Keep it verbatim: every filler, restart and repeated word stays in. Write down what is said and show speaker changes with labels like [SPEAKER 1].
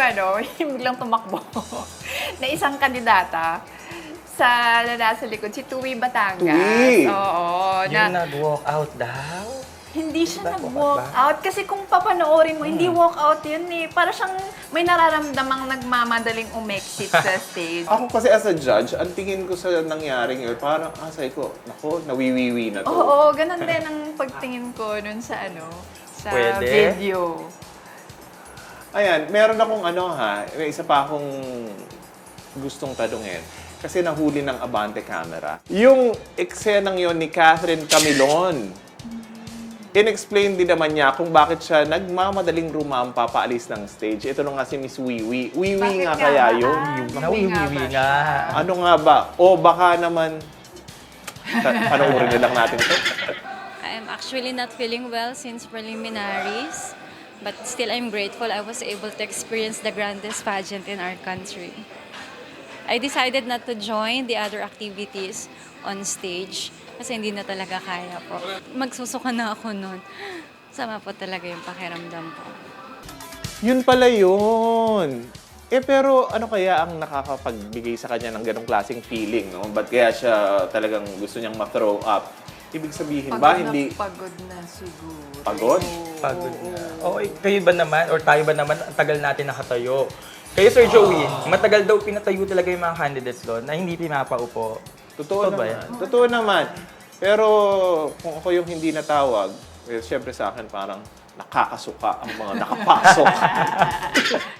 [SPEAKER 1] ano, yung biglang tumakbo na isang kandidata sa na nasa likod, si Tui Batangas.
[SPEAKER 2] Tui!
[SPEAKER 1] Oo.
[SPEAKER 3] Yung
[SPEAKER 1] Na,
[SPEAKER 3] nag-walk out daw?
[SPEAKER 1] hindi siya
[SPEAKER 3] Ba,
[SPEAKER 1] nag-walk
[SPEAKER 3] ba?
[SPEAKER 1] out. Kasi kung papanoorin mo,
[SPEAKER 3] Hmm.
[SPEAKER 1] hindi walk out yun eh. Para siyang may nararamdamang nagmamadaling umexit sa stage.
[SPEAKER 2] Ako kasi as a judge, ang tingin ko sa nangyaring yun, parang, ah, sabi ko, nako, nawiwiwi na to.
[SPEAKER 1] Oo, ganun din ang pagtingin ko nun sa ano, sa
[SPEAKER 3] Pwede?
[SPEAKER 1] video.
[SPEAKER 2] Ayan, meron akong ano ha, may isa pa akong gustong tanungin. Kasi nahuli ng Abante Camera. Yung eksenang yon ni Catherine Camilon, in-explain din naman niya kung bakit siya nagmamadaling rumampa paalis ng stage. Ito na nga si Miss Wiwi. Wiwi
[SPEAKER 1] Bakit
[SPEAKER 2] nga
[SPEAKER 1] nga
[SPEAKER 2] kaya
[SPEAKER 1] ba?
[SPEAKER 2] yun?
[SPEAKER 1] Ah,
[SPEAKER 3] Nawiwiwi
[SPEAKER 1] ba
[SPEAKER 3] nga.
[SPEAKER 2] Ano nga ba? O baka naman, ta- panoorin na lang natin ito.
[SPEAKER 4] I'm actually not feeling well since preliminaries, but still I'm grateful I was able to experience the grandest pageant in our country. I decided not to join the other activities on stage kasi hindi na talaga kaya po. Magsusuka na ako nun. Sama po talaga yung pakiramdam ko.
[SPEAKER 2] Yun pala yun. Eh pero ano kaya ang nakakapagbigay sa kanya ng ganong klaseng feeling, no? Ba't kaya siya talagang gusto niyang ma-throw up? Ibig sabihin ba,
[SPEAKER 1] Pagod
[SPEAKER 2] hindi...
[SPEAKER 1] na pagod na siguro.
[SPEAKER 2] Pagod?
[SPEAKER 3] Pagod na. Okay, kayo ba naman, or tayo ba naman, ang tagal natin nakatayo? Kayo, Sir Joey, matagal daw pinatayo talaga yung mga candidates doon na hindi pinapaupo.
[SPEAKER 2] Totoo
[SPEAKER 3] Totoo ba
[SPEAKER 2] naman.
[SPEAKER 3] yan?
[SPEAKER 2] Totoo naman. Pero kung ako yung hindi natawag, eh, syempre sa akin parang nakakasuka ang mga nakapasok.